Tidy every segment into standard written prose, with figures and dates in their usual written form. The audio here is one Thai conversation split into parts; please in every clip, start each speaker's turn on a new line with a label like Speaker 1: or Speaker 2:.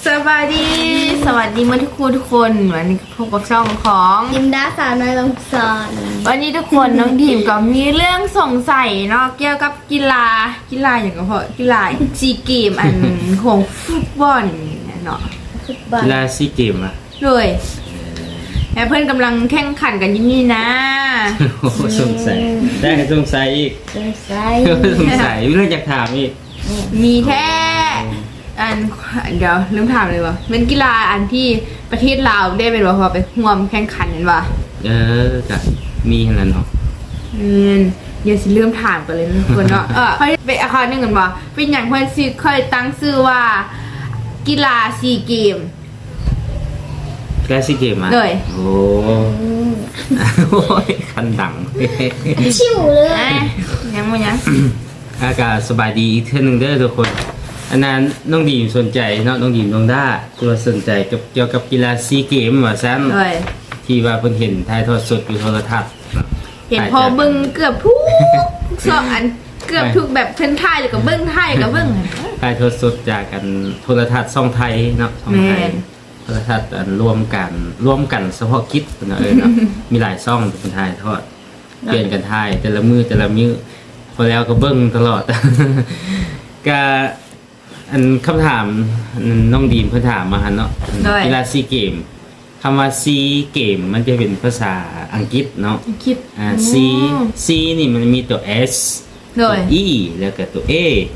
Speaker 1: สวัสดีมาทุกคนวันนี้พบกับช่องของ
Speaker 2: ยิมดาสาวน้อยลงสอน
Speaker 1: วันนี้ทุกคนน้องดีมก็มีเรื่องสงสัยเนาะเกี่ยวกับกีฬาอย่างก็เพราะกีฬาซีเกมอันของฟุตบอลเนาะ
Speaker 2: ฟุตบอล
Speaker 3: กีฬาซีเกมอ่ะ
Speaker 1: เลยแล้วเพื่อนกำลังแข่งขันกันอยู่นี่นะ
Speaker 3: โอ้โหสงสัยได้สงสัยอีก
Speaker 2: สงสัย
Speaker 3: สงสัยเรื่องอยากถามอีก
Speaker 1: มีแท้อันเดี๋ยวลืมถามเลยวะเป็นกีฬาอันที่ประเทศลาวได้เป็นว่าพอไปร่วมแข่งขันกันวะ
Speaker 3: กับมีขนาดเนาะ
Speaker 1: เดี๋ยวสิเริ่มถามกันเลยนะทุกคนเนาะเขาเป็นอาคารหนึ่งกันว่าเป็นอย่างเพื่อนซีเคยตั้งชื่อว่ากีฬาซีเกม
Speaker 3: กีฬาซีเกมอ่ะ
Speaker 1: เลย
Speaker 3: โอ้โหคันดัง
Speaker 2: ชิวเลย
Speaker 1: อ่ะยังไม่ยัง
Speaker 3: อากาศสบายดีอีกเท่านึงเด้อทุกคนอันนั้นน้องดีมสนใจเนาะน้องดีมน้องด้าตัวสนใจเกี่ยวกับกีฬาซีเกมว่าซั่น
Speaker 1: เลย
Speaker 3: ที่ว่าเพิ่นเห็นถ่ายทอดสดอยู่โทรทัศน์
Speaker 1: เห็นพอเบิ้งเกือบทุกสองอันเกือบทุกแบบเพิ่นไทยหรือกับเบิ้งไทยกับเบิ้ง
Speaker 3: ถ่ายทอดสดจากกันโทรทัศน์ช่องไทยเนาะช่องไทย
Speaker 1: แม่น
Speaker 3: โทรทัศน์อันร่วมกันเฉพาะกิจเนาะเนาะ มีหลายช่องเป็นถ่ายทอดเปลี่ยนกันถ่ายแต่ละมือพอแล้วก็เบิ้งตลอด ก็อันคำถามน้องดีมเพิ่นถามมาหันเนาะกีฬาซีเกมคำว่าซีเกมมันจะเป็นภาษาอังกฤษเนาะ
Speaker 1: คิด
Speaker 3: ซีนี่มันมีตัว S
Speaker 1: เล
Speaker 3: ตัวย E แล้วก็ตัว A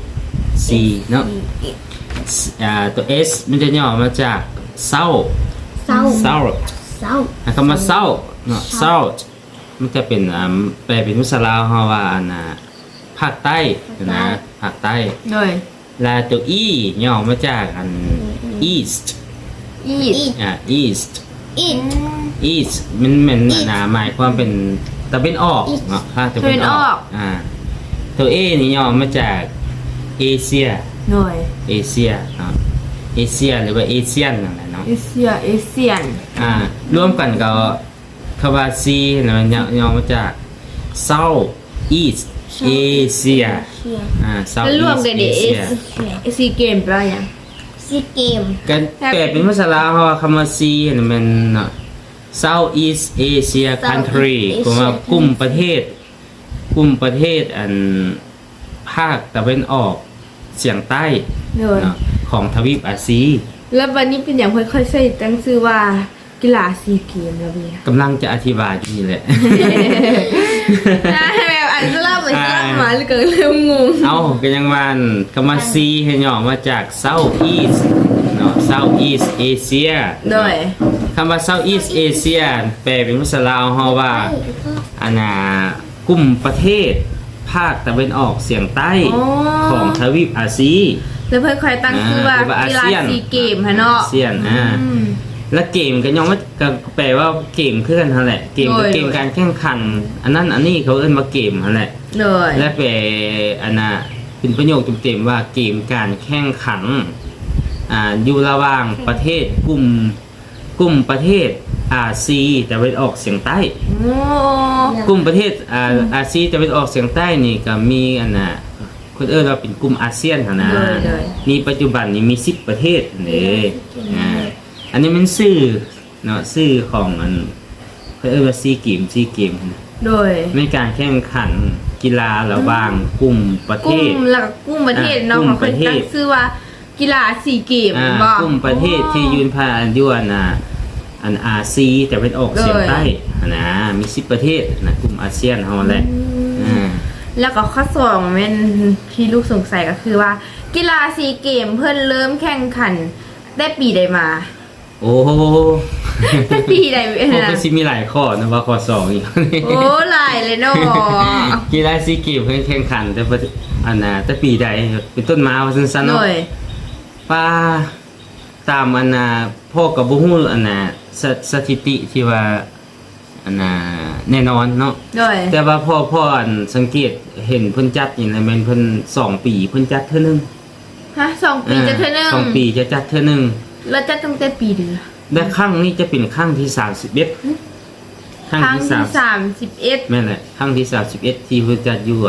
Speaker 3: C เนาะตัว S มันจะย่อมาจากเศร้า
Speaker 2: เศร้า
Speaker 3: เศร้า
Speaker 2: เศร้า
Speaker 3: คำว่าเศร้าเนาะเศร้ามันจะเป็นแปลเป็นภาษาลาวเฮาว่าภาคใต้นะภาคใต้
Speaker 1: เลย
Speaker 3: และตัว E ย่อมาจากEast
Speaker 1: อีด
Speaker 3: East
Speaker 2: อีก
Speaker 3: East มันเหมือนหมายความเป็นตะวันออกเนาะภาคตะวันออกตัว A นี่ย่อมาจากเอเชีย
Speaker 1: เลย
Speaker 3: เอเชียเนาะเอเชียหรือว่าเอเชียนนั่นแหละเนาะ
Speaker 1: เอเชียน
Speaker 3: ร่วมกันก็คำว่า C นะมันย่อมาจาก South East Asia South
Speaker 1: แล้วรวม
Speaker 3: East
Speaker 1: กันเดี๋ยว
Speaker 3: Asia
Speaker 1: ซีเกมแปลว่าอย่าง
Speaker 2: ซีเกม
Speaker 3: กันแปลเป็นภาษาลาวเพราะว่าคำว่า C เนี่ยมันเนาะ South East Asia Country ก็ว่ากลุ่มประเทศอันภาคตะวันออกเฉียงใต้
Speaker 1: เลย
Speaker 3: เนาะของทวีปอาซี
Speaker 1: แล้ววันนี้เป็นอย่างค่อยๆใส่ตั้งชื่อว่ากีฬาซีเกมแล้วเบีย
Speaker 3: กำลังจะอธิบายอยู่นี่แหละ
Speaker 1: แบบอันสลับมันสลับมาเลยก็เริ่มงง
Speaker 3: เอาก็ยังวันคำว่า C ให้ย่อมาจาก South East เนาะ South East Asia
Speaker 1: โดย
Speaker 3: คำว่า South East Asia แปลเป็นภาษาลาวเฮาว่ากลุ่มประเทศภาคตะวันออกเฉียงใต้ของทวีปอาซี
Speaker 1: แล้วเพื่อนคอยตั้งชื่อว่ากีฬาซีเกมฮะเนาะ
Speaker 3: อาเซียนและเกมก็ย่อมาก็แปลว่าเกมคือกันนั่นแหละเกมก็เกมการแข่งขันอันนั้นอันนี้เขาเอิ้นว่าเกมนั่นแหละ
Speaker 1: โดย
Speaker 3: และแปลเป็นประโยคเต็มๆว่าเกมการแข่งขันอยู่ระหว่างประเทศกลุ่มประเทศอาซีตะวันออกเฉียงใต้
Speaker 1: โอ้
Speaker 3: กลุ่มประเทศอาซีตะวันออกเฉียงใต้นี่ก็มีคนเอิ้นว่าเป็นกลุ่มอาเซียนนะมีปัจจุบันนี้มี10ประเทศนี่อันนี้มันชื่อเนาะชื่อของเขาเอิ้นว่าซีเกม
Speaker 1: โดย
Speaker 3: ในการแข่งขันกีฬาระหว่างกลุ่มประเท
Speaker 1: กุ้
Speaker 3: ศ
Speaker 1: มแล้วก็กุ้มประเทศเนาะ
Speaker 3: กุ้ม
Speaker 1: เขา
Speaker 3: ป
Speaker 1: เคย
Speaker 3: ระเทศ
Speaker 1: ตั้งชื่อว่ากีฬาซีเกม
Speaker 3: กลุ่มประเทศที่ยืนผ่านอยู่อาซีแต่เป็นออกเฉียงใต้นะมี10ประเทศนะกลุ่มอาเซียนเฮาแหละ
Speaker 1: แล้วก็ข้อสองเป็นที่ลูกสงสัยก็คือว่า กีฬาซีเกมเพื่อนเริ่มแข่งขันได้ปีใดมา
Speaker 3: โอ้
Speaker 1: ได้ปีใด
Speaker 3: ผม
Speaker 1: นะ
Speaker 3: ก็สิมีหลายข้อนะว่าข้อ2อีก
Speaker 1: โอ้หลายเลยเนาะ
Speaker 3: กีฬาซีเกมเพิ่นแข่งขันแต่ปีใดเป็นต้นมาว่าซั่นๆ
Speaker 1: โด
Speaker 3: เนาะ
Speaker 1: ย
Speaker 3: ป้าตามพ่อกับบ่ฮู้สถิติที่ว่าแน่นอนเนาะ
Speaker 1: โดย
Speaker 3: แต่ว่าพ่อสังเกตเห็นเพิ่นจัดนี่แหละแม่นเพิ่น2ปีเพิ่นจัดเทื่อนึง
Speaker 1: ฮะ2 ปีจะเท่านึง
Speaker 3: 2ปีจะจัดเทื่อนึง
Speaker 1: แล้วจะตั้งแต่ปีเดือน
Speaker 3: และครั้งนี้จะเป็นครั้งที่31ครั้ง
Speaker 1: ครั้ง
Speaker 3: ที่
Speaker 1: ที่
Speaker 3: 31แม่นแหละครั้งที่31ที่เพิ่นจัดอยู่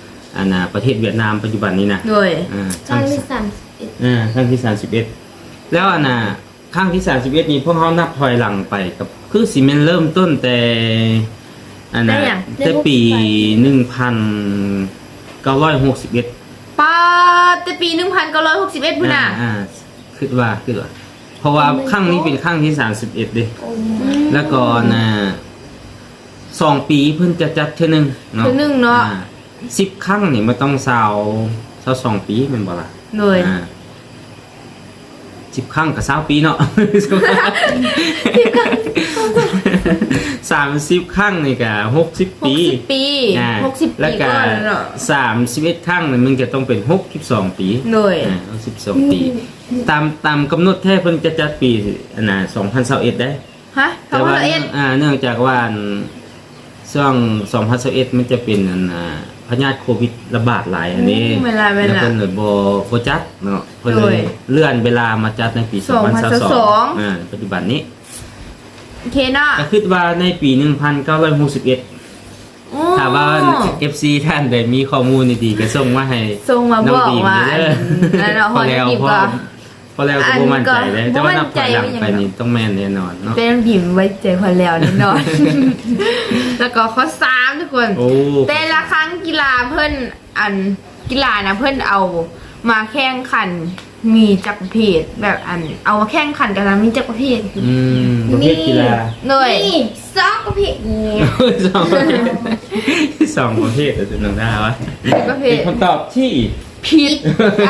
Speaker 3: ประเทศเวียดนามปัจจุบันนี้นะ
Speaker 1: 31โดย
Speaker 3: ค
Speaker 2: ครั้งที่
Speaker 3: ครั้งที่31 แล้วอันน่ะครั้งที่31นี้พวกเขานับถอยหลังไปกับคือสิแม่นเริ่มต้นแต่อันน่ะแต่ปี1961
Speaker 1: ป้าแต่ปี1961พุ่นน่ะ
Speaker 3: คิดว่าเพราะว่าครั้งนี้เป็นครั้งที่31เด้แล้วก็น่ะ2 ปีเพิ่นจะจัดเทื่อนึงเนาะ
Speaker 1: เทื่อนึงเนาะ
Speaker 3: 10 ครั้งนี่มันต้อง22 ปีแม่นบ่ล่ะ
Speaker 1: เลย
Speaker 3: 10 ครั้งกับ20 ปีเนาะ30 ครั้งนี่ก็60 ปี
Speaker 1: 60 ปี60
Speaker 3: แล้ว
Speaker 1: ปี
Speaker 3: ก็
Speaker 1: ก่อนเนาะ
Speaker 3: 31 ครั้งนี่มันจะต้องเป็น62 ปี
Speaker 1: เลย
Speaker 3: 62 ปี ตามกำหนดแท้เพิ่นจะจัดปีอันน่ะ2021ได้
Speaker 1: ฮะ
Speaker 3: แต่ว่าเนื่องจากว่าช่วง2021มันจะเป็นอันพยาธิโควิดระบาดหลายอันนี้แล้วเพิ่นเลยบ่จัดเนาะเพิ่นเลยเลื่อนเวลามาจัดในปี2022ปัจจุบันนี้
Speaker 1: โอเคเนาะ
Speaker 3: ก็คิดว่าในปี1961ถ้าว่า FC ท่านใดมีข้อมูลดีๆก็ส่งมาให้
Speaker 1: ส่งมาบอกว่า
Speaker 3: พอแล้วก็บ่มั่นใจเลยแต่ว่านับถอยหลังไปนี่ต้องแม่นแน่นอนเนาะ
Speaker 1: เป็นบิ่มไว้ใจพอแล้วแน่นอน แล้วก็ข้อ3ทุกคน แต่ละครั้งกีฬาเพิ่นกีฬานะเพิ่นเอามาแข่งขันมีจักรประเภทแบบเอามาแข่งขันกันนะมีจักรประเภท
Speaker 3: ประเภทกีฬา
Speaker 1: เลย
Speaker 2: นี่ซอกประเภทนี้
Speaker 3: สองประเภทจะน้องได้วะ
Speaker 1: จักรประเภ
Speaker 3: เป็
Speaker 1: ท
Speaker 3: นคำตอบที่
Speaker 1: ผิด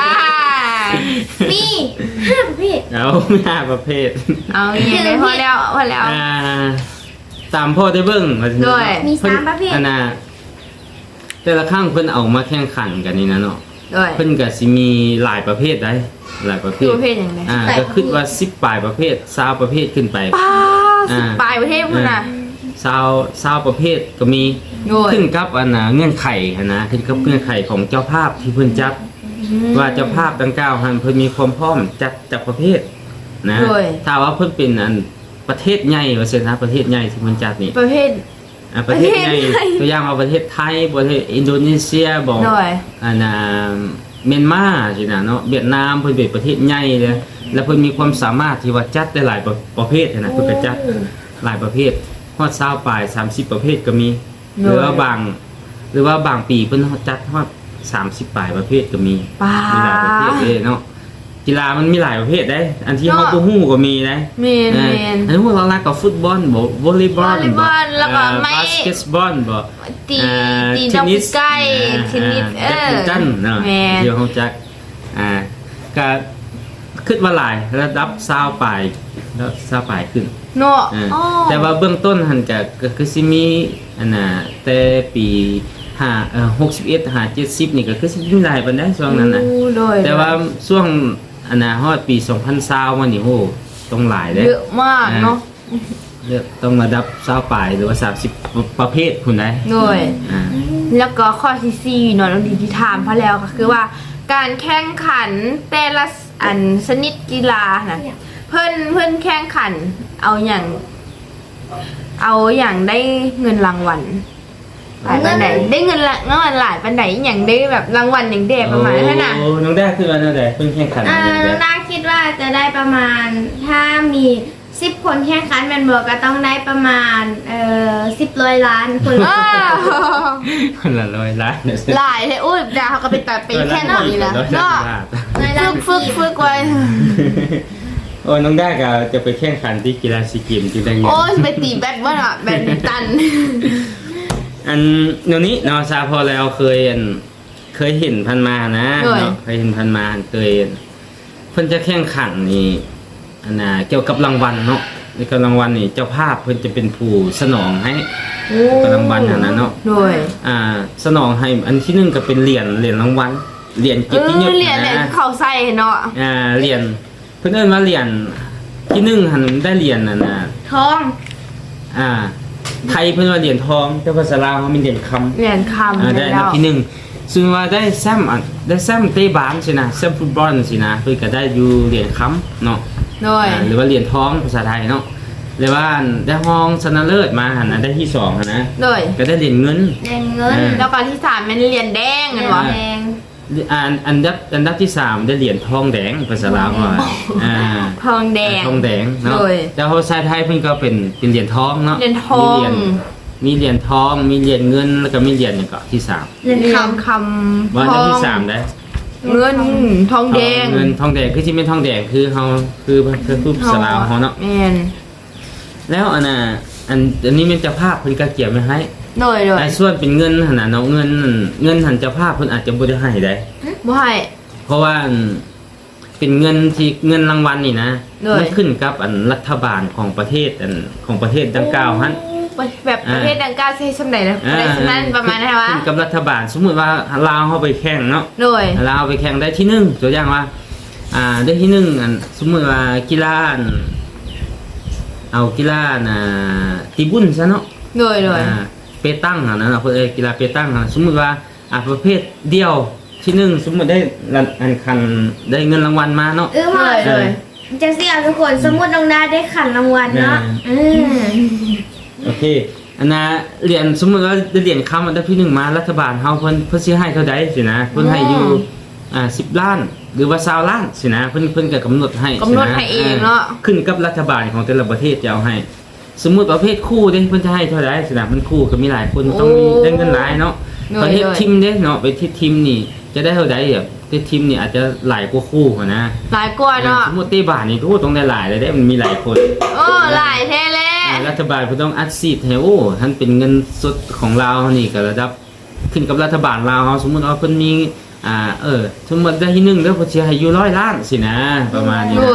Speaker 2: มี5ประเภท
Speaker 3: เอาไม่ห้าประเภท
Speaker 1: เอาอย่างไรพอแล้ว
Speaker 3: ตามพ่อได้เบิ้ง
Speaker 1: ด้วย
Speaker 2: มี3ประเภท
Speaker 3: อันน่ะแต่ละครั้งเพิ่นเอามาแข่งขันกันนี่นะเนาะ
Speaker 1: ด้วย
Speaker 3: เพิ่นก็สิมีหลายประเภทได้หลายประเภ
Speaker 1: คือ
Speaker 3: ท
Speaker 1: ประเภทอย่างไร
Speaker 3: ก็คิดว่า10ปลายประเภท20ประเภทขึ้นไป
Speaker 1: ป้า10 ปลายประเทศพุ่นน่ะ
Speaker 3: 20ประเภทก็มี
Speaker 1: ด้วย
Speaker 3: ขึ้นกับอันน่ะเงื่อนไขนะขึ้นกับเงื่อนไขของเจ้าภาพที่เพิ่นจัดว่าเจ้าภาพดังกล่าวหันเพิ่นมีความพร้อมจัดประเภทนะถ้าว่าเพิ่นเป็นอันประเทศใหญ่ว่าซั่นนะประเทศใหญ่ที่เพิ่นจัดนี่
Speaker 1: ประเภท
Speaker 3: ประเทศใหญ่ตัวอย่างว่าประเทศไทยประเทศอินโดนีเซียบอก
Speaker 1: ด้วย
Speaker 3: อันน่ะเมียนมาสินะเนาะเวียดนามเพิ่นเป็นประเทศใหญ่เลยแล้วเพิ่นมีความสามารถที่ว่าจัดได้หลายประเภทนะเพิ่นก็จัดหลายประเภทฮอด20ปลาย30ประเภทก็มีหรือว่าบางปีเพิ่นจัดฮอด30ปลายประเภทก็มี
Speaker 1: ป้า
Speaker 3: มีหลายประเภทเลยเนาะกีฬามันมีหลายประเภทได้อันที่เฮาบ่ฮู้ก็มีนะ
Speaker 1: เมน
Speaker 3: อันนี้พวกเราลักกับฟุตบอลบ่วอลเลย์บอล
Speaker 1: แล้วก็ไม่
Speaker 3: บาสเกตบอลบ่
Speaker 1: ตีดอกไก่เทนนิส
Speaker 3: แบดมินตันเนาะ
Speaker 1: แม่น
Speaker 3: เดี๋ยวเฮาจักก็คิดว่าหลายระดับ20ปลายแล้ว20ปลายขึ้น
Speaker 1: เนาะ
Speaker 3: แต่ว่าเบื้องต้นหันก็คือสิมีอันน่ะแต่ปี61 70นี่ก็คือสิมีหลายปานใดช่วงนั้นน่ะ แต่ว่าช่วงอันน่ะฮอดปี2020มานี่โหต้องหลายเด้
Speaker 1: เยอะมากเนาะ
Speaker 3: เลือกต้องระดับ20ปลายหรือว่า30ประเภทพุ่นได้
Speaker 1: ด้วยแล้วก็ข้อที่4เนาะน้องดีที่ถามพะแล้วก็คือว่า การแข่งขันแต่ละชนิดกีฬานะเพิ่นแข่งขันเอาอย่างได้เงินรางวัลหลายปานใดได้เงินหลายปานใดอย่างได้แบบรางวัลอย่างเด็ประมาณนั้นน่ะ
Speaker 3: โอ้น้องแด้คือว่าแนวใดเพิ่นแข่งขัน
Speaker 2: น้องดาคิดว่าจะได้ประมาณถ้ามี10 คนแข่งขันแมนบอกก็ต้องได้ประมาณ10 ล้านคนละ
Speaker 3: คนละ100ล้าน
Speaker 1: หลายเลยอุ้ยดาเขาก็ไปแค่นั้นนี่นะ
Speaker 3: เนาะ
Speaker 1: เนาะฝึกไว้
Speaker 3: โอ้น้องแด้ก็จะไปแข่งขันที่กีฬาซีเกมส์ที่ได้เงิน
Speaker 1: โอ้ยไปตีแบดว่าน่ะแบดมินตัน
Speaker 3: อันเดี๋ยวนี้เนาะซาพอแล้วเคยเห็นพันมานะเนาะเคยเห็นพันมาเคยเพิ่นจะแข่งขันนี่อันน่ะเกี่ยวกับรางวัลเนาะในกับรางวัลนี่เจ้าภาพเพิ่นจะเป็นผู้สนองให้กับรางวัลอันนั้นเนาะ
Speaker 1: โดย
Speaker 3: สนองให้อันที่1ก็เป็นเหรียญรางวัลเหรียญเกียรติยศ
Speaker 1: เหรียญเขาใส่เนาะ
Speaker 3: เหรียญเพิ่นเอิ้นว่าเหรียญที่1หันได้เหรียญนั่นน่ะ
Speaker 2: ทอง
Speaker 3: ไทยเพิ่นว่าเหรียญทองแต่ภาษาลาวเขามีเหรียญคำ
Speaker 1: เหรียญคำ
Speaker 3: ได้อันดับที่1ซึ่งว่าได้แซมเตะบาสสินะแซมฟุตบอลสินะเพิ่นก็ได้อยู่เหรียญค้ำเนาะ
Speaker 1: โดย
Speaker 3: หรือว่าเหรียญทองภาษาไทยเนาะหรือว่าได้ห้องชนะเลิศมาหั่นน่ะได้ที่2หั่นนะ
Speaker 1: โดย
Speaker 3: ก็ได้เหรียญเงิน
Speaker 2: แดงเงิน
Speaker 1: แล้วก็ที่3เป็นเหรียญแดงกันวะ
Speaker 2: แดง
Speaker 3: เหอันดับที่3ได้เหรียญทองแดงภาษาลาวว่า
Speaker 1: ทองแดง
Speaker 3: ทองแดงเนาะ
Speaker 1: โดย
Speaker 3: แต่ภาษาไทยเพิ่นก็เป็นเหรียญทองเนาะ
Speaker 1: เหรียญทอง
Speaker 3: มีเหรียญทองมีเหรียญเงินแล้วก็มีเหรียญอย่างก็ที่3
Speaker 2: เรียน
Speaker 1: เรีย
Speaker 2: ค
Speaker 1: นคำ
Speaker 3: ว่า
Speaker 1: ท
Speaker 3: อันดั
Speaker 1: อบ ง
Speaker 3: ที่3ได้
Speaker 1: เงินทองแดง
Speaker 3: เงินทองแดงคือที่เป็นทองแดงคือเฮาคือภาษาลาวเฮาเนาะ
Speaker 1: แม่น
Speaker 3: แล้วอันนี้มันเจะภาพเพิ่นก็เกี่ยวไว้ให้
Speaker 1: โดย
Speaker 3: ไอ้ส่วนเป็นเงินหั่นน่ะเนาะเงินหันเจ้าภาพเพิ่นอาจจะบ่ได้ให้ได้
Speaker 1: บ่ให้
Speaker 3: เพราะว่าเป็นเงินที่เงินรางวัลนี่นะ
Speaker 1: โดย
Speaker 3: มันขึ้นกับรัฐบาลของประเทศของประเทศดังกล่าวหั่น
Speaker 1: แบบประเทศดังกล่าวใช้สำไหนนะประเทศนั้นประมาณไหนวะ
Speaker 3: ขึ้นกับรัฐบาลสมมุติว่าลาวเฮาไปแข่งเนาะ
Speaker 1: โดย
Speaker 3: ลาวไปแข่งได้ที่1ตัวอย่างว่าได้ที่1สมมุติว่ากีฬาเอากีฬาตีบุญซะเนาะ
Speaker 1: โดย
Speaker 3: เปตั้งนะเนาะเพื่อกีฬาเปตั้งสมมุติว่าประเภทเดียวที่1สมมุติได้คันได้เงินรางวัลมาเนาะ
Speaker 2: ำมาจังสิเอาทุกคนสมมุติน้องดาได้ขันรางวัลเนาะ
Speaker 3: โอเคอันน่ะเหรียญสมมุติว่าได้เหรียญคำอันดับที่1มารัฐบาลเฮาเพิ่นสิให้เท่าใดสินะเพิ่นให้อยู่10 ล้านหรือว่า20ล้านสินะเพิ่นก็กำหนดให้
Speaker 1: กำหนดให้เองเนาะ
Speaker 3: ขึ้นกับรัฐบาลของแต่ละประเทศจะเอาให้ สมมุติประเภทคู่เด้เพิ่นจะให้เท่าใดสินะมันคู่ก็มีหลายคนต้องมีได้เงินหลายเนาะประเภททีมเด้เนาะไปที่ทีมนี่จะได้เท่าใดแบบที่ทีมนี่อาจจะหลายกว่าคู่นะ
Speaker 1: หลายกว่าเนาะ
Speaker 3: สมมุติเตะบาสนี่โอ้ต้องได้หลายเลยเด้มันมีหลายคน
Speaker 1: โอ้หลายแท้แล้
Speaker 3: รัฐบาลเพิ่นต้องอัดฉีดให้โอ้ท่านเป็นเงินสดของเรานี่ก็ระดับขึ้นกับรัฐบาลลาวเฮาสมมุติว่าเพิ่นมีสมมุติได้ที่1เด้อเพิ่นสิให้อยู่100 ล้านสินะประมาณนี้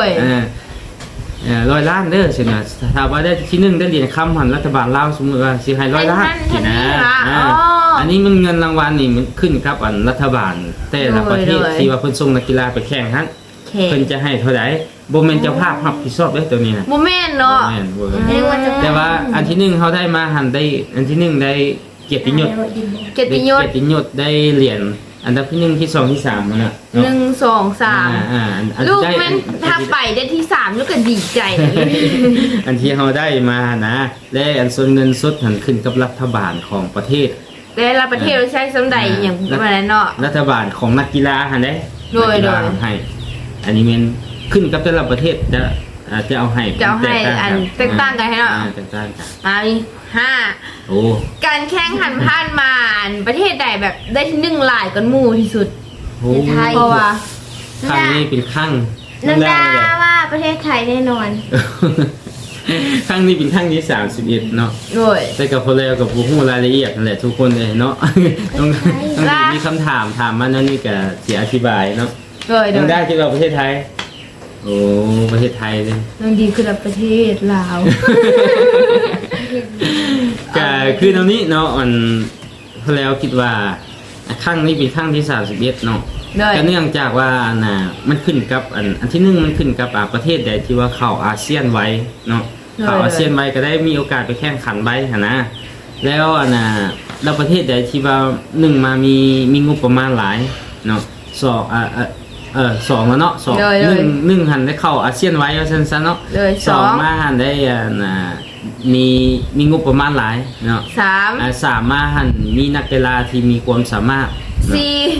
Speaker 3: 100 ล้านเด้อสินะถ้าว่าได้ที่1ได้เหรียญคำหันรัฐบาลลาวสมมุติว่าสิให้100 ล้านสินะอันนี้มันเงินรางวัลนี่มันขึ้นกับรัฐบาลแต่ละประเทศที่ว่าเพิ่นส่งนักกีฬาไปแข่งหั่นเพิ่นจะให้เท่าใดบ่แม่นเจ้าภาพรับผิดชอบเด้อตัวนี้นะ
Speaker 1: บ่แม่นเนาะ
Speaker 3: แม่นแต่ว่าอันที่1เฮาได้มาหันได้อันที่1ได้เกียรติยศ
Speaker 1: เกียรติยศ
Speaker 3: เกียรติยศได้เหรียญอันดับที่1ที่2ที่3มันน่ะ
Speaker 1: 1 2 3ลูกแม่นถ้าไปได้ที่3ลูกก็ดีใจเลย
Speaker 3: อันที่เฮาได้มานะและอันส่วนเงินสดหันขึ้นกับรัฐบาลของประเทศ
Speaker 1: แต่ละประเทศใช้สำใดอย่างประมาณนั้นเนาะ
Speaker 3: รัฐบาลของนักกีฬาหั่นเด้
Speaker 1: โดย
Speaker 3: นักกีฬาให้อันนี้มันขึ้นกับแต่ละประเทศจะเอาให้
Speaker 1: จะให้อันแตกต่างกันให้เนาะ
Speaker 3: แตกต่างกัน
Speaker 1: นี่5
Speaker 3: โอ้
Speaker 1: การแข่งขันผ่านมาประเทศใดแบบได้ที่1หลายกันหมู่ที่สุด
Speaker 3: โห
Speaker 1: เพราะว่า
Speaker 3: ครั้งนี้เป็นครั้ง
Speaker 2: น้องดาว่าประเทศไทยแน่นอน
Speaker 3: ครั้งนี้เป็นครั้งที่31เนาะ
Speaker 1: โดย
Speaker 3: แต่กับพอแล้วกับผู้ฮู้รายละเอียดนั่นแหละทุกคนเลยเนาะ ต้องมีคำถามมานั่นนี่ก็สิอธิบายเนาะ
Speaker 1: โดย
Speaker 3: ต้องได้คิดว่าประเทศไทยโอ้ประเทศไทยเลย
Speaker 1: น้องดีคือประเทศลาว
Speaker 3: ก็คือตรงนี้เนาะอันพอแล้วคิดว่าครั้งนี้เป็นครั้งที่31เนาะ
Speaker 1: โดย
Speaker 3: ก็เนื่องจากว่ามันขึ้นกับอันที่1มันขึ้นกับประเทศใดที่ว่าเข้าอาเซียนไว้เนาะเข้าอาเซียนไว้ก็ได้มีโอกาสไปแข่งขันไว้หั่นนะแล้วแล้วประเทศใดที่ว่า1มามีงบประมาณหลายเนาะ2แล้วเนาะ1หันได้เข้าอาเซียนไว้ว่าซั่นๆเนาะ
Speaker 1: เลย
Speaker 3: 2มาหันได้มีงบประมาณหลายเนาะ
Speaker 1: 3
Speaker 3: 3มาหันมีนักกีฬาที่มีความสามารถ
Speaker 1: 4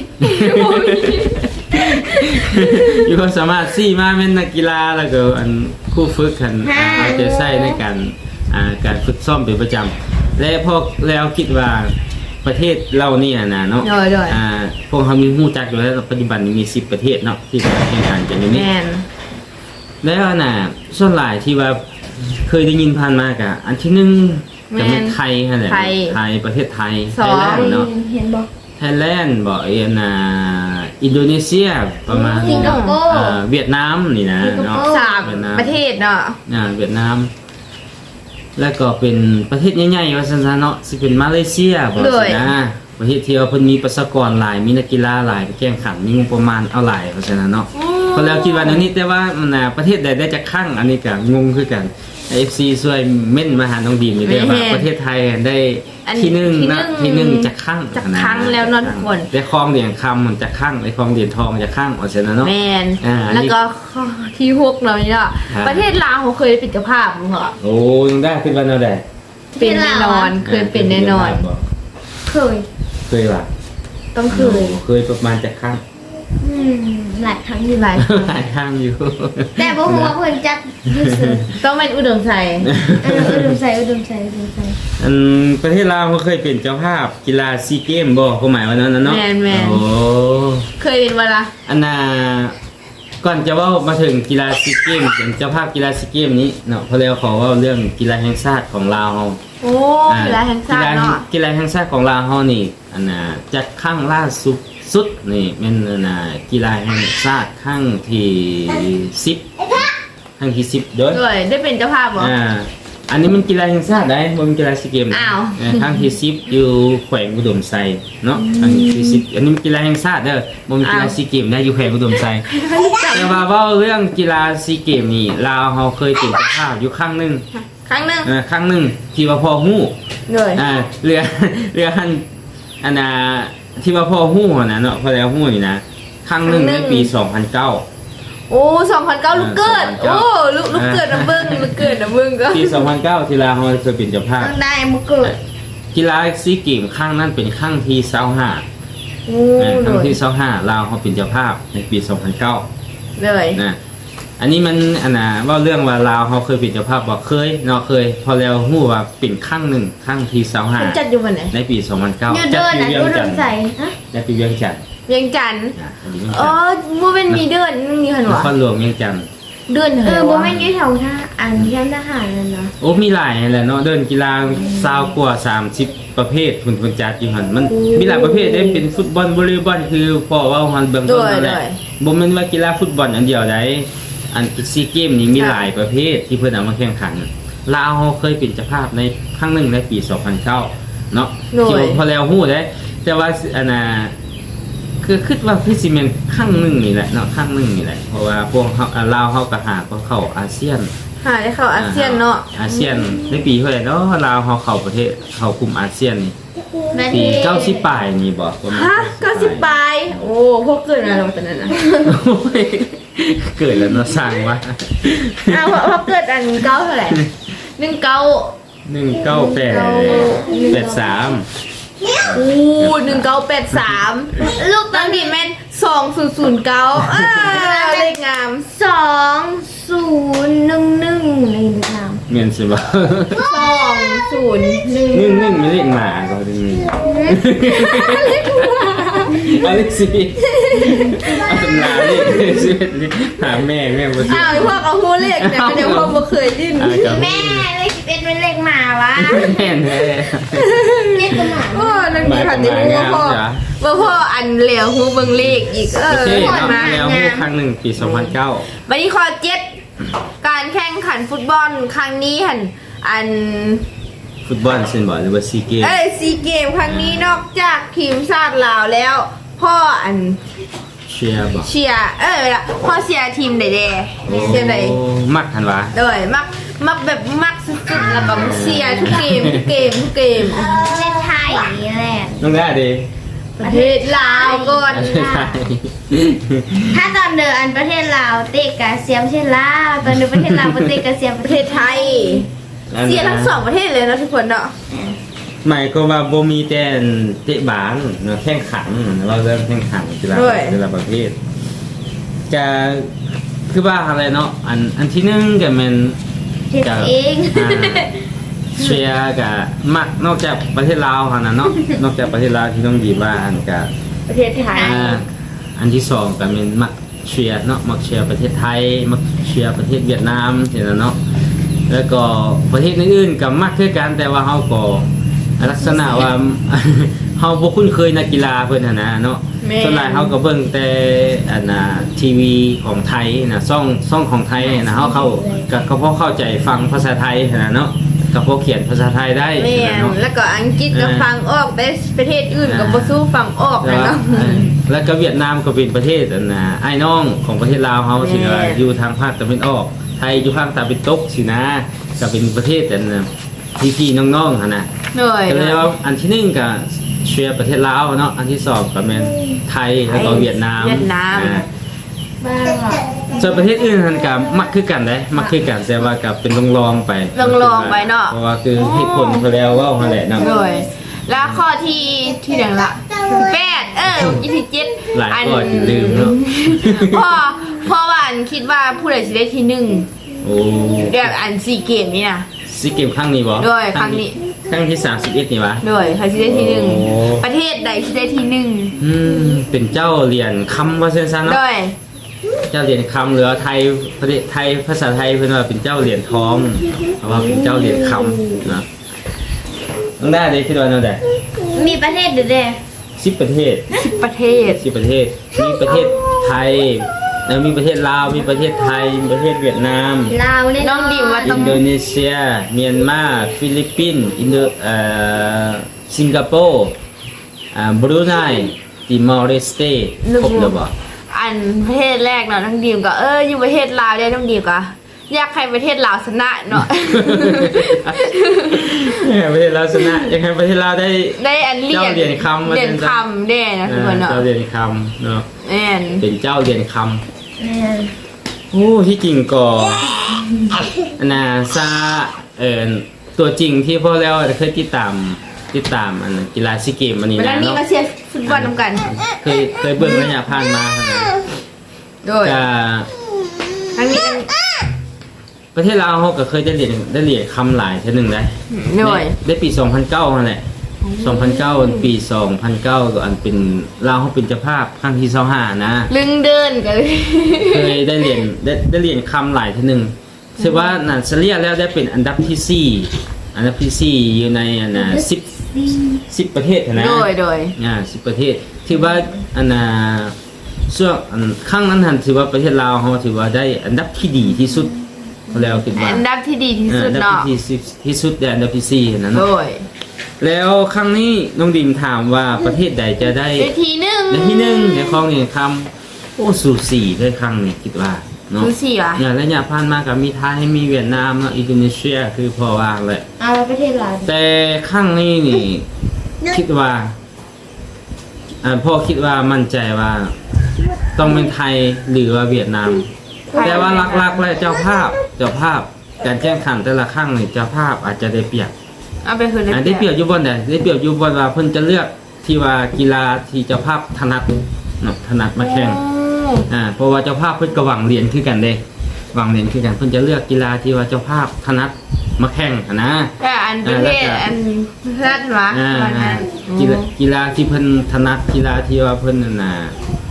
Speaker 3: มีความสามารถ4มาเป็นนักกีฬาแล้วก็อันคู่ฝึกกันเอาใจใส่ในการฝึกซ้อมเป็นประจำและพวกแล้วคิดว่าประเทศเรานี่นะเนาะพวกเขามีฮู้จักอยู่แล้วปัจจุบันนี้มี10ประเทศเนาะที่แข่งขันกันอยู่นี่
Speaker 1: แม่น
Speaker 3: แล้วส่วนหลายที่ว่าเคยได้ยินผ่านมากะอันที่1ก็เป็นไทยนั่นแหละไทยประเทศไทยไทยแลนด์เนาะ
Speaker 2: เห็นบอก
Speaker 3: ไทยแลนด์บ่อินโดนีเซียประมาณ
Speaker 2: สิงคโปร์
Speaker 3: เวียดนามนี่นะเนาะ
Speaker 1: 3 ประเทศเนาะ
Speaker 3: เวียดนามแล้วก็เป็นประเทศใหญ่ๆว่าซั่นๆเนาะสิเป็นมาเลเซียบ่สินะประเทศที่ว่าเพิ่นมีประชากรหลายมีนักกีฬาหลายไปแข่งขันมีงบประมาณเอาหลายเพราะฉะนั้นเนาะพอแล้วคิดว่าแนวนี้แต่ว่ามันประเทศใดได้จะคั่งอันนี้ก็งงคือกัน FC ช่วยเม่นมาหาน้องดีมนี่เด้อว่าประเทศไทยได้ที่1นะที่1จะคั่ง
Speaker 1: จะคั่งแล้วเนาะทุกคน
Speaker 3: ได้ครองเหรียญคำมันจะคั่งได้ครองเหรียญทองจะคั่งเพราะฉะนั้นเนาะ
Speaker 1: แม่นแล้วก็ที่6เนาะนี่เนาะประเทศลาวเขาเคยเป็นเจ้าภาพบ่เหรอ
Speaker 3: โอ้ยังได้ขึ้นวันเอาได้
Speaker 1: เป็นแน่นอนเคยเป็นแน่นอน
Speaker 2: เคย
Speaker 3: เคยว่ะ
Speaker 2: ต
Speaker 1: ต้องเคย
Speaker 3: เคยประมาณจะครั้ง
Speaker 2: หลายครั้งอยู่
Speaker 1: หลาย
Speaker 3: หลายครั้งอยู่
Speaker 2: แต่บ่ฮู้ว่าเพิ่นจัดอยู่ซื่อ
Speaker 1: ต้องเป็นอุดมใส่
Speaker 2: อุดมใส่
Speaker 3: อันประเทศลาวเขาเคยเป็นเจ้าภาพกีฬาซีเกมบ่เขาหมายว่านั้นนะเนาะ
Speaker 1: แมน
Speaker 3: โอ้
Speaker 1: เคยเป็นเวลา
Speaker 3: อันน่ะก่อนจะเว่ามาถึงกีฬาซีเกมเป็นเจ้าภาพกีฬาซีเกมนี้เนาะเพราะแล้วขอเว่าเรื่องกีฬาแห่งชาติของลาวเฮา
Speaker 1: โอ้กีฬาแห่งชาติเนาะ
Speaker 3: กีฬาแห่งชาติของลาวเฮานี่อันน่ะจัดครั้งล่าสุดนี่แม่นอันน่ะกีฬาแห่งชาติครั้งที่10ครั้งที่10เด้อ
Speaker 1: ด้วยได้เป็นเจ้าภาพเหรอ
Speaker 3: อันนี้มันกีฬาแห่งชาติได้บ่แมันกีฬาซีเกม
Speaker 1: อ้าว
Speaker 3: ครั้งที่10อยู่แขวงอุดมไซเนาะครั้งที่10อันนี้มันกีฬาแห่งชาติเด้อบ่แมันกีฬาซีเกมได้อยู่แขวงอุดมไซ แต่ว่าเว้าเรื่องกีฬาซีเกมนี่ลาวเฮาเคยเป็นเจ้าภาพอยู่ครั้งหนึง
Speaker 1: ครั้งหนึ่ง
Speaker 3: ครั้งหนึงที่ว่าพ่อฮู้
Speaker 1: เลย
Speaker 3: เรือหันอันน่ะที่ว่าพ่อฮู้หั่นน่ะเนาะพอแล้วฮู้นี่นะครั้งหนึงในปี 2009
Speaker 1: โอ้2009ลูกเกิด
Speaker 3: 2009
Speaker 1: โอ้ลูกเกิดนะเบิ้งลูกเกิดนะเบิ้งก็
Speaker 3: ปี 2009 ที่ลาวเฮาเคยเป็นเจ้าภาพ
Speaker 2: ต้องได้มื้อเกิด
Speaker 3: กีฬาซีเกมครั้งนั้นเป็นครั้งที่25
Speaker 1: โอ้
Speaker 3: ครั้ง
Speaker 1: เลย
Speaker 3: ที่25ลาวเฮาเป็นเจ้าภาพในปี 2009
Speaker 1: เลย
Speaker 3: นะอันนี้มันอันน่ะว่าเรื่องว่าลาวเขาเคยเป็นเจ้าภาพบอกเคยเนาะเคย พอแล้วฮู้ว่าเป็นครั้งหนึ่งครั้งที่
Speaker 1: มันจัดอยู่วันไหน
Speaker 3: ในปี 2009
Speaker 2: อยู่
Speaker 3: จั
Speaker 2: เดิ
Speaker 3: ด
Speaker 2: น
Speaker 3: ที่
Speaker 2: น่ะ
Speaker 3: เวียง
Speaker 2: อุด
Speaker 3: จั
Speaker 2: ม
Speaker 3: นทร์
Speaker 2: ใส่ฮะ
Speaker 3: จัดที่เวียงจันทร์
Speaker 1: เวียงจันทร์
Speaker 3: อันนี้เวียง
Speaker 1: อ๋อ
Speaker 3: จันทร์
Speaker 1: บ่เป็นมีเดือนมีหัน
Speaker 3: น
Speaker 1: วะ
Speaker 3: ครหลวงเวียงจันทร์
Speaker 1: เดือนเหร
Speaker 2: บ่
Speaker 1: อ
Speaker 2: แม่นอยู่แถวท่าอันย่านทหารนั่นเนาะ
Speaker 3: โอ้มีหลายแหละเนาะเดินกีฬา20กว่า30 ประเภทคุณจัดอยู่หั่นมันมีหลายประเภทได้เป็นฟุตบอลวอลเลย์บอลคือพอว่าหันเบื้องต้นนั่นแหละบ่แม่นว่ากีฬาฟุตบอลอันเดียวได้อันซีเกมนี่มีหลายประเภทที่เพิ่นเอามาแข่งขันลาวเคยเป็นเจ้าภาพในครั้งหนึ่งในปี 2009 เนาะที่ว่าพอแล้วฮู้ได้แต่ว่าอันน่ะคือคิดว่าคือสิแม่นครั้งหนึงนี่แหละเนาะครั้งหนึงนี่แหละเพราะว่าพวกเฮาลาวเฮาก็หาเข้าอาเซียน
Speaker 1: หาได้เข้าอาเซียนเนาะ
Speaker 3: อาเซียนในปีเท่าไหร่เนาะลาวเฮาเข้าประเทศเข้ากลุ่มอาเซียนนี่
Speaker 2: ประเท
Speaker 3: ปี
Speaker 2: ศ
Speaker 3: 90ปลายนี่บ่ประมาณ
Speaker 1: ฮะ90ปลายโอ้พวกเกิดมาแล้วตอนนั้นนะ
Speaker 3: โอ้ยเกิดแล้วเนาะสร้างว่า
Speaker 1: อ้าวพอเกิดอันเก้าเท่าไหร่
Speaker 3: 1983
Speaker 1: โอ้1983ลูกตอนนี้แม่น2009เลขงาม
Speaker 2: 2011นี่ดูตาม
Speaker 3: เมียนสิบ่
Speaker 1: 2011
Speaker 3: นึ่งไม่เรียกหมาก็ได้นี่อเล็กซี่เอาตำราเลขสิหาแม่บ่สิ
Speaker 1: อ้าวพวกเอาฮู้เลขเนี่ยเดี๋ยวพวกบ่เคยดิ้น
Speaker 2: แม่เลข11เป็นเลขหมาวะ
Speaker 3: แม่นแท้
Speaker 2: เลขหมา
Speaker 1: โอ้นักดีค่ะที่ฮู้ว่าพ่ออันเหลวฮู้เบิ่งเลขอีก
Speaker 3: โอเค
Speaker 1: ฮอด
Speaker 3: เนาะ
Speaker 1: มา
Speaker 3: แล้วฮู้ครั้งหนึ่งปี 2009
Speaker 1: วันนี้ข้อ7การแข่งขันฟุตบอลครั้งนี้หั่นอัน
Speaker 3: ฟุตบอลซินบ่หรือว่าซีเกม
Speaker 1: ซีเกมครั้งนี้นอกจากทีมชาติลาวแล้ว พ่ออัน
Speaker 3: เชียร์บ่
Speaker 1: เชียร์พ่อเชียร์ทีมใดๆเชียร์ใด
Speaker 3: โอ้มักหันวะ
Speaker 1: เลยมักแบบมักสุดๆแล้วก็เชียร์ทุกเกม
Speaker 2: เลขไทยนี่แหละ
Speaker 3: น้องได้ดิ
Speaker 1: ประเทศลาวก่อน
Speaker 2: ถ้าตอนเดินอันประเทศลาวเตะกับเสียมเช่นลาวตอนเดินประเทศลาวเตะกับเสียมป
Speaker 1: ประ ระ
Speaker 2: เท
Speaker 1: เท
Speaker 2: ศ
Speaker 1: ศไทยเชียร์ทั้งสองประเทศเลยนะทุกคนเนาะ
Speaker 3: หมายก็ว่าบ่มีแต่เตะบาสเนาะแข่งขันเราเริ่มแข่งขันกีฬาประเภทจะคือว่าอะไรเนาะอันที่หนึ่งก็แม่น
Speaker 2: เฮ็ดเอง
Speaker 3: เชียร์กับมักนอกจากประเทศลาวหั่นน่ะเนาะนอกจากประเทศลาวที่ต้องดีว่าอันกับ
Speaker 1: ประเทศไทย
Speaker 3: อันที่สองก็เป็นมักเชียร์เนาะมักเชียร์ประเทศไทยมักเชียร์ประเทศเวียดนามนี่นะเนาะแล้วก็ประเทศอื่นๆก็มักคือกันแต่ว่าเฮาก็ลักษณะว่า เฮาบ่คุ้นเคยนักกีฬาเพิ่นหั่นนะเนาะส่วนหลายเฮาก็เบิ่งแต่อันน่ะทีวีของไทยนะช่องของไทยนะเฮาก็พอเข้าใจฟังภาษาไทยนะเนาะก็พอเขียนภาษาไทยได้
Speaker 1: แม่
Speaker 3: นะเนาะ
Speaker 1: แล้วก็อังกฤษก็ฟังออกแต่ประเทศอื่นก็บ่สู้ฟังออก
Speaker 3: แต่
Speaker 1: นะ
Speaker 3: ว่า
Speaker 1: เนาะ
Speaker 3: แล้วก็เวียดนามก็เป็นประเทศอันน่ะไอ้น้องของประเทศลาวเฮาสินะ
Speaker 1: แม่
Speaker 3: อยู่ทางภาคตะวันออกไทยอยู่ภาคตะวันตกสินะก็เป็นประเทศอันน่ะพี่ๆน้องๆหั่นน่ะ
Speaker 1: เหนื่อย
Speaker 3: ก็เลยว่าอันที่หนึ่งก็เชียร์ประเทศลาวเนาะอันที่สองก็เป็นไทยแล้วก็เวียดนามอ่า
Speaker 2: บ้าว่ะ
Speaker 3: ส่วนประเทศอื่นทันกับมักคือกันได้มักคือกันแต่ว่ากับเป็นลองๆไป
Speaker 1: ลองๆไปเนาะ
Speaker 3: เพราะว่าคือเหตุผลเขาแล้วว่าหั่นแหละเนาะ
Speaker 1: เหนื่อยแล้วข้อที่หนึ่งละ8ยี่สิบเจ็ด
Speaker 3: หลายข้อจนลืมเนาะ
Speaker 1: พ่อว่าอันคิดว่าผู้ใดสิได้ที่หนึ่ง
Speaker 3: โอ้
Speaker 1: แบบอัน4เกมนี่นะ
Speaker 3: ซีเกมครั้งนี้บ่
Speaker 1: ด้วยครั้งนี้
Speaker 3: ครั้งที่31นี่วะ
Speaker 1: ด้วยใครสิได้ที่หนึ่ง
Speaker 3: โอ้
Speaker 1: ประเทศใดสิได้ที่หนึ่ง
Speaker 3: เป็นเจ้าเหรียญคำว่าเส้นซันเนาะ
Speaker 1: ด้วย
Speaker 3: เจ้าเหรียญคำหรือไทยประเทศไทยภาษาไทยเพิ่นว่าเป็นเจ้าเหรียญทองเพราะว่าเป็นเจ้าเหรียญคำนะต้องได้เลยคิดว่าเนาะได้
Speaker 2: มีประเทศเด็ด
Speaker 3: 10ประเทศ
Speaker 1: 10ประเทศ
Speaker 3: 10ประเทศมีประเทศไทยแล้วมีประเทศลาวมีประเทศไทยมีประเทศเวียดนาม
Speaker 2: ลาวเนี่ย
Speaker 1: น้องดิมว่าต้
Speaker 3: อิ
Speaker 1: อง
Speaker 3: นโดนีเซียเมียนมาฟิลิปปินส์สิงคโปร์บรูไนติมอร์เลสเตครบแล้วบ่
Speaker 1: อันประเทศแรกเนาะน้องดิมก็อยู่ประเทศลาวได้น้องดิมก็อยากให้ประเทศลาวชนะเนาะ
Speaker 3: ประเทศลาวชนะยังไงประเทศลาวได้
Speaker 1: ได้อันเหรียญ
Speaker 3: เจ้าเหรียญคำ
Speaker 1: เหรียญคำได้นะทุกคนเนาะ
Speaker 3: เจ้าเหรียญคำเนาะ
Speaker 1: แม่น
Speaker 3: เป็นเจ้าเหรียญค
Speaker 2: เนี่ย
Speaker 3: ำโอ้ที่จริงก็นาซาตัวจริงที่พ่อแล้วเคยติดตามอันกีฬาซีเกมอันนี้
Speaker 1: เวลา
Speaker 3: นะ
Speaker 1: นี้
Speaker 3: เนาะ
Speaker 1: มาเชียร์ฟุตบอลนำกัน
Speaker 3: เคยเบิ่งระยะผ่านมาขนาด
Speaker 1: โดย
Speaker 3: ก็
Speaker 1: ทั้งนี้
Speaker 3: ประเทศลาวเขาก็เคยได้เหรียญคำหลายเท่านึงได้
Speaker 1: โดย
Speaker 3: ได้ปี 2009นั่นแหละ 2009 ปี 2009ก็อันเป็นลาวเขาเป็นเจ้าภาพครั้งที่25นะ
Speaker 1: ลึงเดินกันเลย
Speaker 3: เคยได้เหรียญคำหลายเท่านึงถือว่านันเฉลี่ยแล้วได้เป็นอันดับที่4อันดับที่4อยู่ในอันน่ะ10ประเทศนะ
Speaker 1: โดย
Speaker 3: 10ประเทศถือว่าอันน่ะช่วงครั้งนั้นถือว่าประเทศลาวเขาถือว่าได้อันดับที่ดีที่สุดแล้วคิดว่า
Speaker 1: อันดับที่ดีที่สุด
Speaker 3: อันดับ
Speaker 1: เนาะ
Speaker 3: ที่สุดและอันดับที่4นั่น
Speaker 1: โด
Speaker 3: เนาะ
Speaker 1: ย
Speaker 3: แล้วครั้งนี้น้องดิมถามว่าประเทศใดจะได้
Speaker 1: ได้ทีหนึง
Speaker 3: ได้ที่1ในของนี่คำโอ้สูสีเลยครั้งนี้คิดว่าเนาะ
Speaker 1: ดูสิวะ
Speaker 3: อย่างระยะผ่านมากับมีไทยมีเวียดนามเนาะอินโดนีเซียคือพอวางเลย
Speaker 2: เอาประเทศลาว
Speaker 3: แต่ครั้งนี้นี่คิดว่าพ่อคิดว่ามั่นใจว่าต้องเป็นไทยหรือว่าเวียดนาม แต่ว่าหลักๆแล้วเจ้าภาพการแข่งขันแต่ละครั้งนี่เจ้าภาพอาจจะได้เปรียบ
Speaker 1: เอาไปคืน
Speaker 3: ได้เปรียบอยู่บนใดได้เปรียบอยู่บนว่าเพิ่นจะเลือกที่ว่ากีฬาที่เจ้าภาพถนัดเนาะถนัดมาแข่งเพราะว่าเจ้าภาพเพิ่นก็หวังเหรียญคือกันเด้หวังเหรียญคือกันเพิ่นจะเลือกกีฬาที่ว่าเจ้าภาพถนัดมาแข่งนะ
Speaker 1: แต่อันประเทศอันเพื่อนวะวันนั้น
Speaker 3: กีฬาที่เพิ่นถนัดกีฬาที่ว่าเพิ่นนั่นน่ะ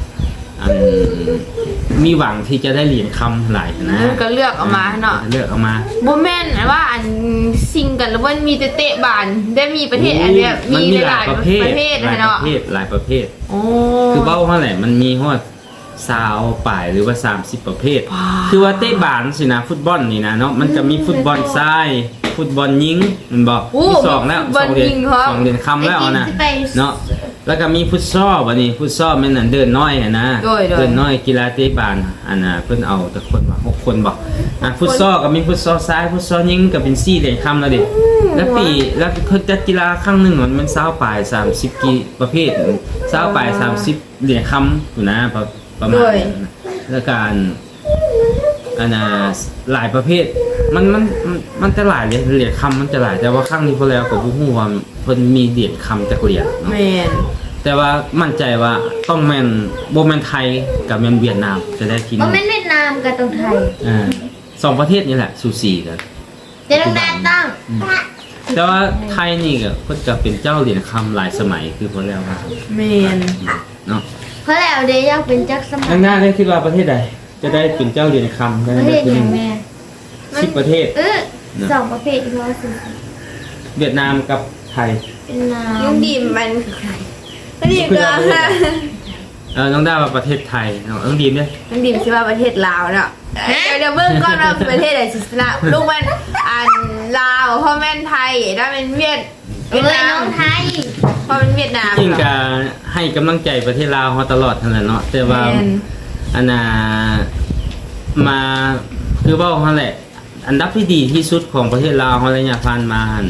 Speaker 3: มีหวังที่จะได้เหรียญคำหลายนะ
Speaker 1: ก็เลือกออกมาเนาะ
Speaker 3: เลือกออกมา
Speaker 1: บ่แม่นว่าอันซิงกันแล้วมันมีแต่เตะบานได้มีประเทศอันเนี้ย
Speaker 3: มันมีหลายประเภท
Speaker 1: ประเภท
Speaker 3: หลายป
Speaker 1: เนาะ
Speaker 3: ระเภทหลายประเภท
Speaker 1: โอ้
Speaker 3: คือเบ้าเท่าไหร่มันมีฮอด20ป่ายหรือว่า30ประเภท คือว่าเตะบานสินะฟุตบอลนี่นะเนาะมันจะมีฟุตบอลทรายฟุตบอลยิงมันบอกมีสองแล้ว2เหรียญคำแล้วนะเนาะแล้วก็มีฟุตซอลบัดนี้ฟุตซอลแม่นอันเดินน้อยอะนะเดินน้อยกีฬาเตะบานอันน่ะเพิ่นเอาแต่คนว่า6คนบอกฟุตซอลก็มีฟุตซอลซ้ายฟุตซอลยิงก็เป็น4เหรียญคำแล้วดิแล้วเพิ่นจัดกีฬาครั้งหนึงมัน20ป่าย30กี่ประเภท20ป่าย30เหรียญคำอยู่นะประมาณนั้นแล้วการอันน่ะหลายประเภทมันจะหลายเหรียญคำมันจะหลายแต่ว่าครั้งนี้พอแล้วก็บ่ฮู้ว่าเพิ่นมีเหรียญคำจักเหรียญเนาะ
Speaker 1: แม่น
Speaker 3: แต่ว่ามั่นใจว่าต้องแม่นบ่แม่นไทยกับแม่นเวียดนามจะได้ที่
Speaker 2: บ่
Speaker 3: นี่
Speaker 2: แม่นเวียดนามกับตรงไทย
Speaker 3: สองประเทศนี่แหละสูสีกัน
Speaker 2: เดี๋ยวต้องได้ตั้ง
Speaker 3: แต่ว่าไทยนี่ก็เพิ่นจะเป็นเจ้าเหรียญคำหลายสมัยคือพอแล้วว่า
Speaker 1: แม่น
Speaker 3: เนาะ
Speaker 2: เพราะแล้วเดี๋ยวอยากเป็นจักรสมั
Speaker 3: ข้าย งหน้าได้คิดว่าประเทศใดจะได้เป็นเจ้าเหรียญคำได้
Speaker 2: ประเทศ
Speaker 3: ที่
Speaker 2: อย่าง
Speaker 3: 1
Speaker 2: แม่
Speaker 3: 10ประเทศ
Speaker 2: สองประเภทอีกแล้วสิ
Speaker 3: เวียดนามกับไทย
Speaker 2: เป็นน้
Speaker 1: น้องดีมมันคือใครน้องดีมก็
Speaker 3: น้องด้าว่าประเทศไทยน้องดีมด้วย
Speaker 1: น้องดีมคิดว่าประเทศลาวเนาะเดี๋ยวเบิ่งก่อนว่าประเทศไหนสิชนะลูกมันอันลาวพ่อแม่นไทยถ้าเป็นเวียด
Speaker 2: ำเอ้ยน้องไทย
Speaker 1: พ่อเป็นเวียดนาม
Speaker 3: จริงก็ให้กำลังใจประเทศลาวเขาตลอดนั่นแหละเนาะแต่ว่า
Speaker 1: แม่น
Speaker 3: อันน่ะมาคือว่าเขาแหละ อันดับที่ดีที่สุดของประเทศลาวเขาระยะผ่านมาหัน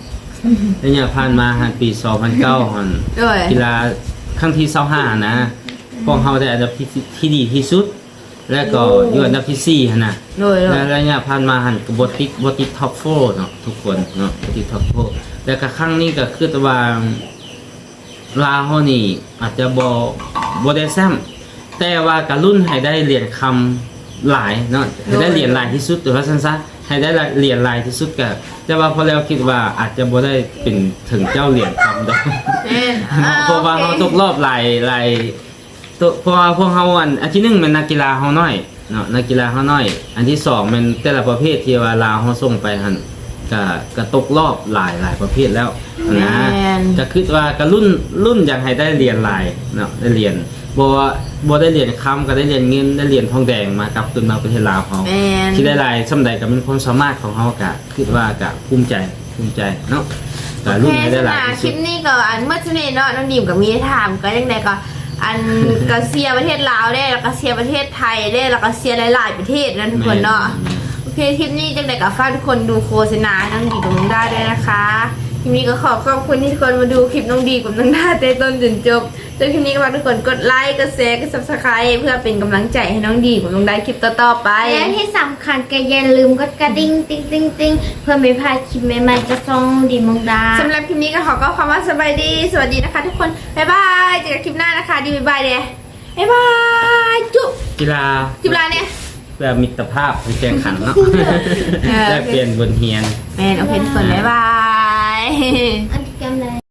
Speaker 3: ปี 2009หัน
Speaker 1: ด้วย
Speaker 3: กีฬาครั้งที่25นะพวกเขาได้อันดับที่ดีที่สุดแล้วก็อยู่อันดับที่4หั่นน่ะ
Speaker 1: โดย
Speaker 3: และระยะผ่านมาหันก็บ่ติดท็อป4เนาะทุกคนเนาะบ่ติดท็อป4แล้วก็ครั้งนี้ก็คือว่าลาวเฮานี่อาจจะบ่ได้แซมแต่ว่าก็รุ่นให้ได้เหรียญคำหลายเนาะให้ได้เหรียญหลายที่สุดหรือว่าซั่นซะให้ได้เหรียญหลายที่สุดก็แต่ว่าพอแล้วคิดว่าอาจจะบ่ได้เป็นถึงเจ้าเหรียญคำดอก เพราะว่าเฮาตกรอบหลายตัวเพราะว่าพวกเฮาอันที่1เป็นนักกีฬาเฮาน้อยเนาะนักกีฬาเฮาน้อยอันที่2เป็นแต่ละประเภทที่ว่าลาวเฮาส่งไปหั่นก็ตกรอบหลายประเภทแล้วนะก็คิดว่าก็รุ่นอยากให้ได้เหรียญหลายเนาะได้เหรียญบ่ได้เหรียญคำก็ได้เหรียญเงินได้เหรียญทองแดงมากลับขึ้นมาประเทศลาวเฮาที่ได้หลายส่ำใดก็เป็นความสามารถของเฮาก็คิดว่าก็ภูมิใจเนาะก็รุ่นให้ได้หลายที่
Speaker 1: ค
Speaker 3: สุ
Speaker 1: ลิ
Speaker 3: ด
Speaker 1: ปนี้ก็อันเมื่อชนี้เนาะน้องดิมกับมีถามก็ยังไงก็อันก็เชียร์ประเทศลาวได้แล้วก็เชียร์ประเทศไทยได้แล้วก็เชียร์หลายๆประเทศนะทุกคนเนาะโอเคคลิปนี้จังไดก็ฝากทุกคนดูโฆษณาน้องดีกับน้องด้าด้วยนะคะคลิปนี้ก็ขอบคุณที่ทุกคนมาดูคลิปน้องดีกับน้องด้าแต่ต้นจนจบจนคลิปนี้ก็ฝากทุกคนกดไลค์กดแชร์กด Subscribe เพื่อเป็นกำลังใจให้น้องดีกับน้องด้าคลิปต่อๆไป
Speaker 2: และที่สำคัญก็อย่าลืมกดกระดิ่งติ๊งเพื่อไม่พลาดคลิปใหม่ๆจะส่งดีมงดา
Speaker 1: สำหรับคลิปนี้ก็ขอคำว่าสบายดีสวัสดีนะคะทุกคนบ๊ายบายเจอกันคลิปหน้านะคะดีบ๊ายบายเด้บ๊ายบายจุ๊บ
Speaker 3: กีฬา
Speaker 1: คลิปหน้าเนี่ย
Speaker 3: เพื่อมิตรภาพในแข่งขันเนาะ
Speaker 1: เออ
Speaker 3: ได้เปลี่ยนบนเฮียน
Speaker 1: แมนโอเคทุกคนบ๊ายบาย
Speaker 2: อันที่กำลัง